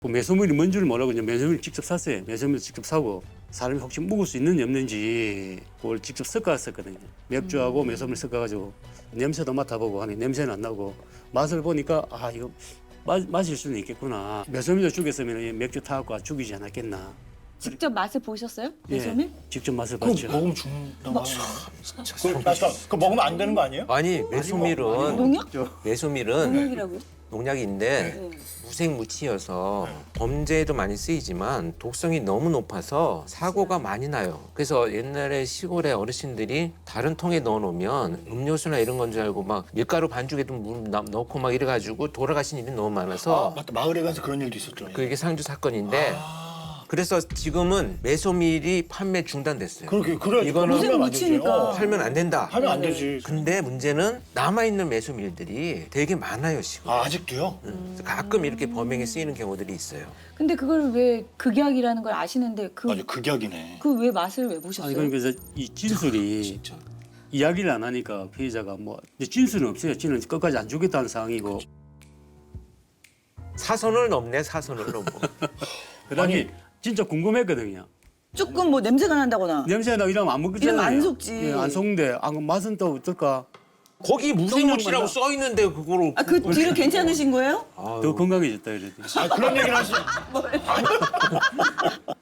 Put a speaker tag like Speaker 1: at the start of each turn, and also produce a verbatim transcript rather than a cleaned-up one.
Speaker 1: 그 매소물이 뭔 줄 모르고 이제 매소물을 직접 샀어요. 매소물 직접 사고 사람이 혹시 묵을 수 있는지 없는지 그걸 직접 섞어왔었거든요. 맥주하고 매소물 섞어가지고 냄새도 맡아보고 하니 냄새는 안 나고 맛을 보니까 아 이거 마, 마실 수는 있겠구나. 매소물도 죽였으면 이 맥주 타갖고 죽이지 않았겠나.
Speaker 2: 직접 맛을 보셨어요?
Speaker 1: 예,
Speaker 2: 매소밀?
Speaker 1: 직접 맛을
Speaker 3: 그거
Speaker 1: 봤죠.
Speaker 3: 먹으면 죽는다고 하는데. 그, 아, 그거 먹으면 안 되는 거 아니에요?
Speaker 4: 아니 매소밀은
Speaker 2: 농약?
Speaker 4: 매소밀은
Speaker 2: 농약이라고요?
Speaker 4: 농약인데
Speaker 2: 네.
Speaker 4: 무색무취여서 범죄에도 많이 쓰이지만 독성이 너무 높아서 사고가 많이 나요. 그래서 옛날에 시골에 어르신들이 다른 통에 넣어놓으면 음료수나 이런 건 줄 알고 막 밀가루 반죽에도 물 나- 넣고 막 이래가지고 돌아가신 일이 너무
Speaker 3: 아,
Speaker 4: 많아서
Speaker 3: 맞다. 마을에 가서 그런 일도 있었죠.
Speaker 4: 그게 상주 사건인데 그래서 지금은 매소밀이 판매 중단됐어요.
Speaker 3: 그렇게 그래.
Speaker 4: 이거는
Speaker 3: 팔면 안 되지.
Speaker 2: 묻히니까.
Speaker 3: 어,
Speaker 4: 팔면 안 된다.
Speaker 3: 하면 안 되지.
Speaker 4: 근데 문제는 남아있는 매소밀들이 되게 많아요 지금.
Speaker 3: 아, 아직도요?
Speaker 4: 그래서 가끔 이렇게 범행에 쓰이는 경우들이 있어요.
Speaker 2: 근데 그걸 왜 극약이라는 걸 아시는데 그
Speaker 3: 맞아, 극약이네.
Speaker 2: 그 왜 맛을 왜 보셨어요?
Speaker 1: 아니 그러니까 이제 이 진술이
Speaker 4: 진짜.
Speaker 1: 이야기를 안 하니까 피해자가 뭐 이제 진술은 없어요. 진은 끝까지 안 주겠다는 상황이고
Speaker 4: 사선을 넘네 사선을 넘어.
Speaker 1: 그다음에 진짜 궁금했거든요.
Speaker 5: 조금 뭐 냄새가 난다거나
Speaker 1: 냄새 나 이러면 안 먹겠잖아요.
Speaker 5: 이러면 안 속지.
Speaker 1: 예, 안 속는데 아, 그럼 맛은 또 어떨까?
Speaker 4: 거기 무생무치라고 써 있는데 그거를.
Speaker 5: 아, 그 뒤로 괜찮으신 거예요?
Speaker 4: 아유.
Speaker 1: 더 건강해졌다 이랬더니.
Speaker 3: 아, 그런 얘기를 하시.